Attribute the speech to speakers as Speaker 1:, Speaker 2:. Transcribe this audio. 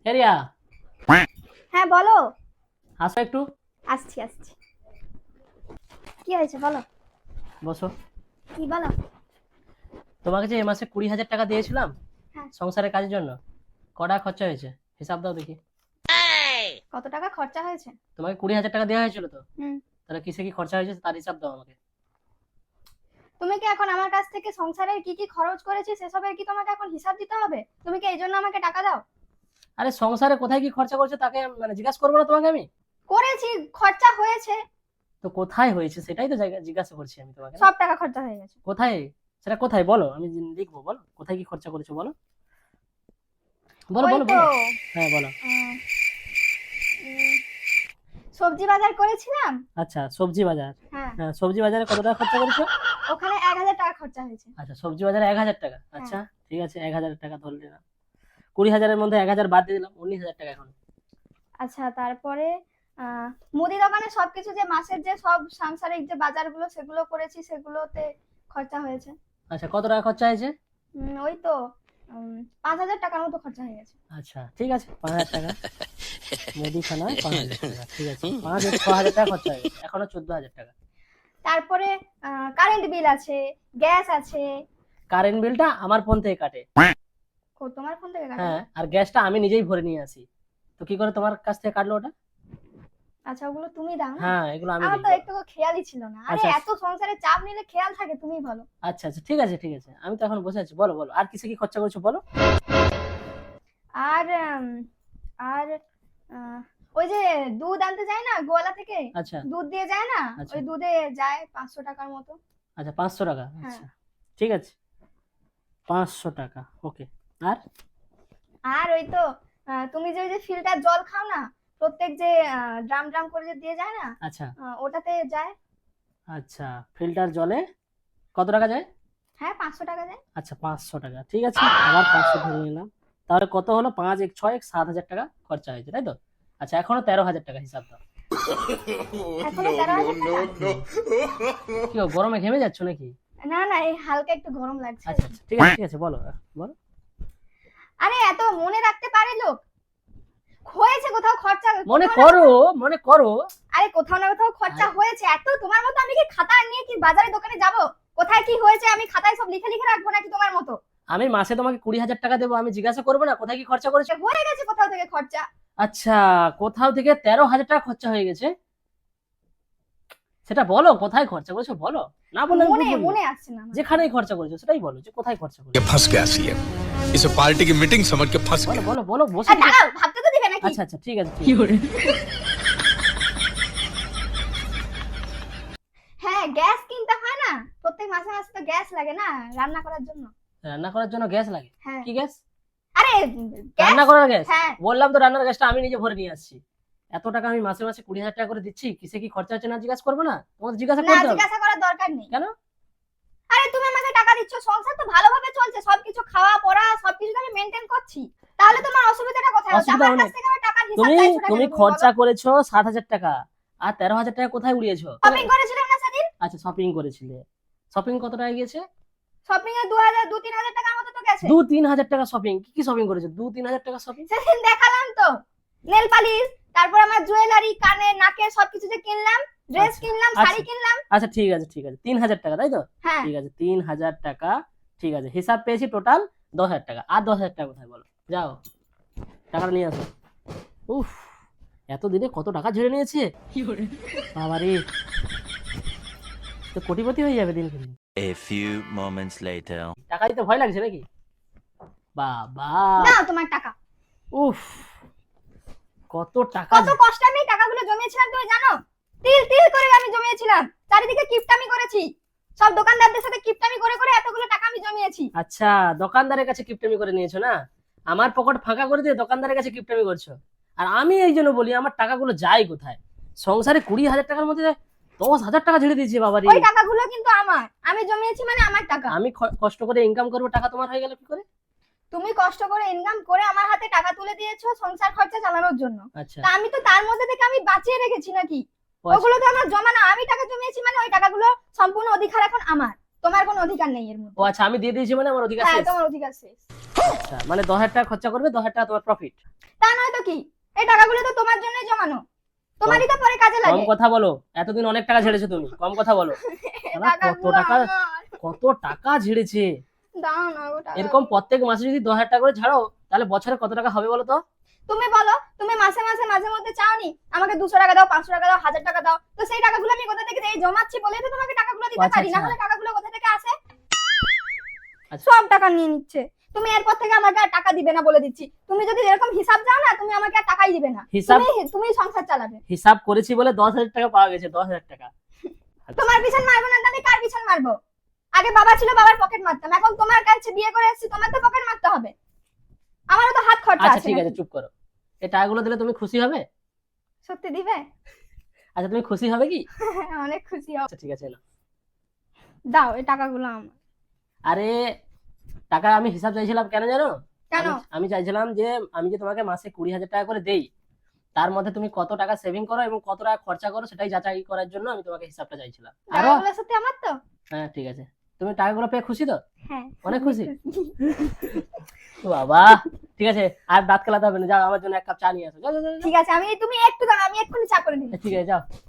Speaker 1: Area
Speaker 2: হ্যাঁ বলো।
Speaker 1: আসো একটু।
Speaker 2: আসছি আসছি। কি হয়েছে বলো।
Speaker 1: বসো।
Speaker 2: কি বলো।
Speaker 1: তোমাকে যে এই মাসে 20,000 টাকা দিয়েছিলাম
Speaker 2: হ্যাঁ।
Speaker 1: সংসারের কাজের জন্য, কটা খরচা হয়েছে হিসাব দাও দেখি।
Speaker 2: কত টাকা খরচা হয়েছে?
Speaker 1: তোমাকে 20,000 টাকা দেওয়া হয়েছিল তো,
Speaker 2: হুম।
Speaker 1: তাহলে কিসে কি খরচা হয়েছে তার হিসাব দাও আমাকে।
Speaker 2: তুমি কি এখন আমার কাছ থেকে সংসারের কি কি খরচ করেছি সেসবের কি তোমাকে এখন হিসাব দিতে হবে? তুমি কি এই জন্য আমাকে টাকা দাও?
Speaker 1: আরে সংসারে কোথায় কি খরচা করছো তাকে মানে জিজ্ঞাসা করবো না তোমাকে আমি?
Speaker 2: করেছি, খরচা হয়েছে।
Speaker 1: তো কোথায় হয়েছে সেটাই তো জিজ্ঞাসা করছি আমি তোমাকে।
Speaker 2: সব টাকা খরচা হয়ে গেছে।
Speaker 1: কোথায়? সেটা কোথায় বলো, আমি লিখবো। বলো কোথায় কি খরচা করেছো, বলো বলো
Speaker 2: ওই
Speaker 1: বলো
Speaker 2: তো
Speaker 1: বলো। হ্যাঁ বলো।
Speaker 2: উম, উম, সবজি বাজার করেছিলাম।
Speaker 1: আচ্ছা সবজি বাজার।
Speaker 2: হ্যাঁ।
Speaker 1: হ্যাঁ সবজি বাজারে কত টাকা খরচা করেছো?
Speaker 2: ওখানে 1000 টাকা খরচা হয়েছে।
Speaker 1: আচ্ছা সবজি বাজারে 1,000 টাকা। আচ্ছা ঠিক আছে 1,000 টাকা ধরলে না, 20,000-এর মধ্যে 1,000 বাদ দিয়ে দিলাম, 19,000 টাকা এখন।
Speaker 2: আচ্ছা তারপরে মুদি দোকানে সবকিছু যে মাসের যে সব সাংসারিক যে বাজারগুলো সেগুলো করেছি সেগুলোতে খরচা হয়েছে।
Speaker 1: আচ্ছা কত টাকা খরচা হয়েছে?
Speaker 2: ওই তো 5,000 টাকার মতো খরচা হয়ে গেছে।
Speaker 1: আচ্ছা ঠিক আছে 5,000 টাকা মুদিখানায় 5,000 টাকা, ঠিক আছে 6,000 টাকা খরচা হয়ে গেছে, এখনো 14,000 টাকা।
Speaker 2: তারপরে কারেন্ট বিল আছে, গ্যাস আছে।
Speaker 1: কারেন্ট বিলটা আমার ফোন থেকে কাটে।
Speaker 2: তোমার ফোন থেকে কাটে?
Speaker 1: হ্যাঁ আর গ্যাসটা আমি নিজেই ভরে নিয়ে আসি, তো কি করে তোমার কাছ থেকে কাটলো ওটা?
Speaker 2: আচ্ছা ওগুলো তুমি দাও না?
Speaker 1: হ্যাঁ এগুলো আমি
Speaker 2: আমার তো
Speaker 1: দিই।
Speaker 2: একটু খেয়ালই ছিল না। আরে
Speaker 1: আচ্ছা
Speaker 2: এত সংসারে চাপ নিলে খেয়াল থাকে? তুমিই বলো।
Speaker 1: আচ্ছা আচ্ছা ঠিক আছে ঠিক আছে, আমি তো এখন বসে আছি। বলো বলো আর কিসে কি খরচা করছো বলো।
Speaker 2: আর আর আহ, ওই যে দুধ আনতে যায় না গোয়ালা থেকে,
Speaker 1: আচ্ছা
Speaker 2: দুধ দিয়ে যায় না,
Speaker 1: আচ্ছা
Speaker 2: ওই দুধে যায় 500 টাকার মতো।
Speaker 1: আচ্ছা 500 টাকা।
Speaker 2: হ্যাঁ।
Speaker 1: আচ্ছা ঠিক আছে 500 টাকা ওকে। আর
Speaker 2: আর ওই তো তুমি যে ওই যে ফিল্টার জল খাও না, প্রত্যেক যে ড্রাম ড্রাম করে যে দিয়ে যায় না,
Speaker 1: আচ্ছা
Speaker 2: ওটাতে যায়।
Speaker 1: আচ্ছা ফিল্টার জলে কত টাকা যায়?
Speaker 2: হ্যাঁ 500 টাকা যায়।
Speaker 1: আচ্ছা 500 টাকা ঠিক আছে, আবার 500 ধরে নিলাম। তাহলে কত হলো? 5 এক 6 এক 7,000 টাকা খরচা হয়েছে তাই তো? আচ্ছা এখনো 13,000 টাকা হিসাব দাও।
Speaker 2: এখনো 13,000 টাকা?
Speaker 1: কি গো, গরমে ঘেমে যাচ্ছ নাকি?
Speaker 2: না না, এই হালকা একটু গরম লাগছে।
Speaker 1: আচ্ছা আচ্ছা ঠিক আছে বলো বলো।
Speaker 2: আরে এত মনে রাখতে পারে লোক? হয়েছে কোথাও খরচা?
Speaker 1: মনে
Speaker 2: কোথাও না
Speaker 1: করো মনে করো।
Speaker 2: আরে কোথাও না কোথাও খরচা হয়েছে। এত তোমার মতো আমি কি খাতা নিয়ে কি বাজারে দোকানে যাব? কোথায় কি হয়েছে আমি খাতায় সব লিখে লিখে রাখবো নাকি তোমার মতো?
Speaker 1: আমি মাসে তোমাকে 20,000 টাকা দেবো, আমি জিজ্ঞাসা করবো না কোথায় কি খরচা করেছো?
Speaker 2: হয়ে গেছে কোথাও থেকে খরচা।
Speaker 1: আচ্ছা কোথাও থেকে 13,000 টাকা খরচা হয়ে গেছে, সেটা বলো কোথায় খরচা করেছো বলো। না বলে আমি
Speaker 2: মনে
Speaker 1: বুঝবো না।
Speaker 2: মনে আসছে না আমার।
Speaker 1: যেখানেই খরচা করেছো সেটাই বলো, যে কোথায় খরচা
Speaker 3: ये
Speaker 1: করেছো।
Speaker 3: फंस गया सीएम इसे पार्टी की मीटिंग समझ के फंस
Speaker 1: বলো
Speaker 3: गया।
Speaker 1: বলো বলো বসে
Speaker 2: আর দাঁড়াও, ভাবতে তো দিবে নাকি?
Speaker 1: আচ্ছা আচ্ছা ঠিক আছে ঠিক আছে।
Speaker 2: হ্যাঁ গ্যাস কিনতে হয় না, প্রত্যেক মাসে মাসে তো গ্যাস লাগে না রান্না করার জন্য।
Speaker 1: রান্না করার জন্য গ্যাস লাগে?
Speaker 2: হ্যাঁ।
Speaker 1: কি গ্যাস?
Speaker 2: আরে গ্যাস।
Speaker 1: রান্না করার গ্যাস?
Speaker 2: হ্যাঁ।
Speaker 1: বললাম তো রান্নার গ্যাসটা আমি নিজে ভরে নিয়ে আসছি। এত টাকা আমি মাসে মাসে 20,000 টাকা করে দিচ্ছি, কিসে কি খরচা হচ্ছে না জিজ্ঞাসা করবো না? তোমাকে জিজ্ঞাসা
Speaker 2: না
Speaker 1: করতে হবে
Speaker 2: জিজ্ঞাসা করার দরকার নেই।
Speaker 1: কেন?
Speaker 2: আরে তুমি আমাকে টাকা দিচ্ছ, সংসার তো ভালোভাবে চলছে, সবকিছু খাওয়া পড়া সবকিছু তো আমি মেইনটেইন করছি, তাহলে তোমার অসুবিধাটা কোথায় হচ্ছে?
Speaker 1: অসুবিধা
Speaker 2: আমার
Speaker 1: অনেক।
Speaker 2: কাছ থেকে আমার টাকার হিসাব
Speaker 1: তুমি
Speaker 2: চাইছো না
Speaker 1: তুমি
Speaker 2: কেন? তুমি
Speaker 1: খরচা
Speaker 2: বলো।
Speaker 1: করেছো 7,000 টাকা, আর 13,000 টাকা কোথায় উড়িয়েছো?
Speaker 2: শপিং করেছিলাম না সেদিন।
Speaker 1: আচ্ছা শপিং করেছিলে, শপিং কত টাকা গিয়েছে?
Speaker 2: শপিং এ 2,000-3,000 টাকার মতো তো গেছে।
Speaker 1: 2-3 হাজার টাকা শপিং? কি কি শপিং করেছো 2-3 হাজার টাকা শপিং?
Speaker 2: সেদিন দেখালাম তো, নেল পালিশ, তারপর আমার জুয়েলারি, কানে নাকে সবকিছু যে কিনলাম, ড্রেস
Speaker 1: আচ্ছা,
Speaker 2: কিনলাম,
Speaker 1: আচ্ছা।
Speaker 2: শাড়ি কিনলাম।
Speaker 1: আচ্ছা ঠিক আছে 3,000 টাকা তাই তো?
Speaker 2: হ্যাঁ।
Speaker 1: ঠিক আছে 3,000 টাকা, ঠিক আছে হিসাব পেয়েছি টোটাল 10,000 টাকা। আর 10,000 টাকা কোথায় বলো, যাও টাকাটা নিয়ে আসো। উফ এত দিনে কত টাকা ঝেড়ে নিয়েছে বাবারে, তো কোটিপতি হয়ে যাবে দিন দিন।
Speaker 4: A few moments later.
Speaker 1: টাকা দিতে ভয় লাগছে নাকি? বাবা
Speaker 2: নাও তোমার টাকা।
Speaker 1: উফ কত টাকা।
Speaker 2: কত কষ্টে আমি এই টাকাগুলো জমিয়েছিলাম তুমি জানো? তিল তিল করে আমি জমিয়েছিলাম, চারিদিকে কিপটামি করেছি, সব দোকানদারদের সাথে কিপটামি করে করে এতগুলো টাকা আমি জমিয়েছি।
Speaker 1: আচ্ছা দোকানদারের কাছে কিপটামি করে নিয়েছো না, আমার পকেট ফাঁকা করে দিয়ে দোকানদারের কাছে কিপটামি করছো। আর আমি এই জন্য বলি আমার টাকাগুলো যায় কোথায়? সংসারে 20,000 টাকার মধ্যে 10,000 টাকা ঝেড়ে দিয়েছি বাবারে।
Speaker 2: ওই টাকাগুলো কিন্তু আমার, আমি জমিয়েছি মানে আমার টাকা।
Speaker 1: আমি কষ্ট করে ইনকাম করবো, টাকা তোমার হয়ে গেল কি করে?
Speaker 2: তুমি কষ্ট করে ইনকাম করে আমার হাতে টাকা তুলে দিয়েছো সংসার খরচা চালানোর জন্য,
Speaker 1: আচ্ছা
Speaker 2: তা আমি তো তার মধ্যে থেকে আমি বাঁচিয়ে রেখেছি নাকি?
Speaker 1: ও আচ্ছা।
Speaker 2: ওগুলো তো আমার জমা না, আমি টাকা জমিয়েছি মানে ওই টাকাগুলো সম্পূর্ণ অধিকার এখন আমার, তোমার কোনো অধিকার নেই এর মধ্যে।
Speaker 1: ও আচ্ছা আমি দিয়ে দিয়েছি মানে আমার অধিকার
Speaker 2: হ্যাঁ
Speaker 1: শেষ।
Speaker 2: তোমার অধিকার শেষ।
Speaker 1: আচ্ছা মানে 10,000 টাকা খরচা করবে, 10,000 টাকা তোমার প্রফিট।
Speaker 2: তা নয় তো কি, এই টাকাগুলো তো তোমার জন্যই জমানো, তোমারই তো পরে কাজে
Speaker 1: কম
Speaker 2: লাগে।
Speaker 1: কথা বলো, এতদিন অনেক টাকা ঝেড়েছো তুমি, কম কথা বলো। শালা কত
Speaker 2: টাকাগুলো
Speaker 1: টাকা,
Speaker 2: আমার।
Speaker 1: কত টাকা ঝেড়েছে।
Speaker 2: দাও না গো টাকা।
Speaker 1: এরকম প্রত্যেক মাসে যদি 10,000 টাকা করে ছাড়ো, তাহলে বছরে কত টাকা হবে বলো তো?
Speaker 2: তুমি বলো, তুমি মাসে মাসে মাঝে মধ্যে চাওনি আমাকে 200 টাকা দাও, 500 টাকা দাও, 1000 টাকা দাও, তো সেই টাকাগুলো আমি কোথা থেকে এই জমাচ্ছি বলেই তো তোমাকে টাকাগুলো দিতে
Speaker 1: আচ্ছা,
Speaker 2: পারি, না
Speaker 1: আচ্ছা।
Speaker 2: হলে টাকাগুলো কোথা থেকে আসে?
Speaker 1: আচ্ছা।
Speaker 2: সব টাকা নিয়ে নিচ্ছে। তুমি এরপর থেকে আমাকে আর টাকা দিবে না বলে দিচ্ছি। তুমি যদি এরকম হিসাব দাও না, তুমি আমাকে আর টাকাই দিবে না।
Speaker 1: হিসাব
Speaker 2: তুমি সংসার চালাবে।
Speaker 1: হিসাব করেছি বলে 10,000 টাকা পাওয়া গেছে, 10,000 টাকা। আচ্ছা।
Speaker 2: তোমার পিছন মারবো না তো আমি কার পিছন মারবো? আগে বাবা ছিল, বাবার পকেট মারতাম, এখন তোমার কাছে বিয়ে করে এসেছি, তোমার তো পকেট মারতে হবে, আমারও তো হাত খরচা
Speaker 1: আচ্ছা
Speaker 2: আছে
Speaker 1: ঠিক আছে,
Speaker 2: নাকি?
Speaker 1: চুপ করো। এই টাকাগুলো দিলে তুমি খুশি হবে?
Speaker 2: সত্যি দিবে?
Speaker 1: আচ্ছা তুমি খুশি হবে কি?
Speaker 2: অনেক খুশি হব।
Speaker 1: আচ্ছা ঠিক আছে না।
Speaker 2: দাও এই টাকাগুলো আমার।
Speaker 1: আরে টাকা আমি হিসাব চাইছিলাম কেন জানো?
Speaker 2: কেন?
Speaker 1: আমি চাইছিলাম যে আমি যে তোমাকে মাসে 20,000 টাকা করে দেই, তার মধ্যে তুমি কত টাকা সেভিং করো এবং কত টাকা খরচা করো সেটাই যাচাই করার জন্য আমি তোমাকে হিসাবটা চাইছিলাম। আরো
Speaker 2: টাকাগুলো সত্যি আমার তো?
Speaker 1: হ্যাঁ ঠিক আছে, তুমি টাকাগুলো পেয়ে খুশি তো?
Speaker 2: হ্যাঁ
Speaker 1: অনেক খুশি। বাবা ঠিক আছে, আর দাঁত খেলাতে হবে না, যাও আমার জন্য 1 কাপ চা নিয়ে আসো, যাও যাও যাও, যাও।
Speaker 2: ঠিক আছে, তুমি একটু দাঁড়াও, আমি এক্ষুনি চা করে দিই।
Speaker 1: ঠিক আছে যাও।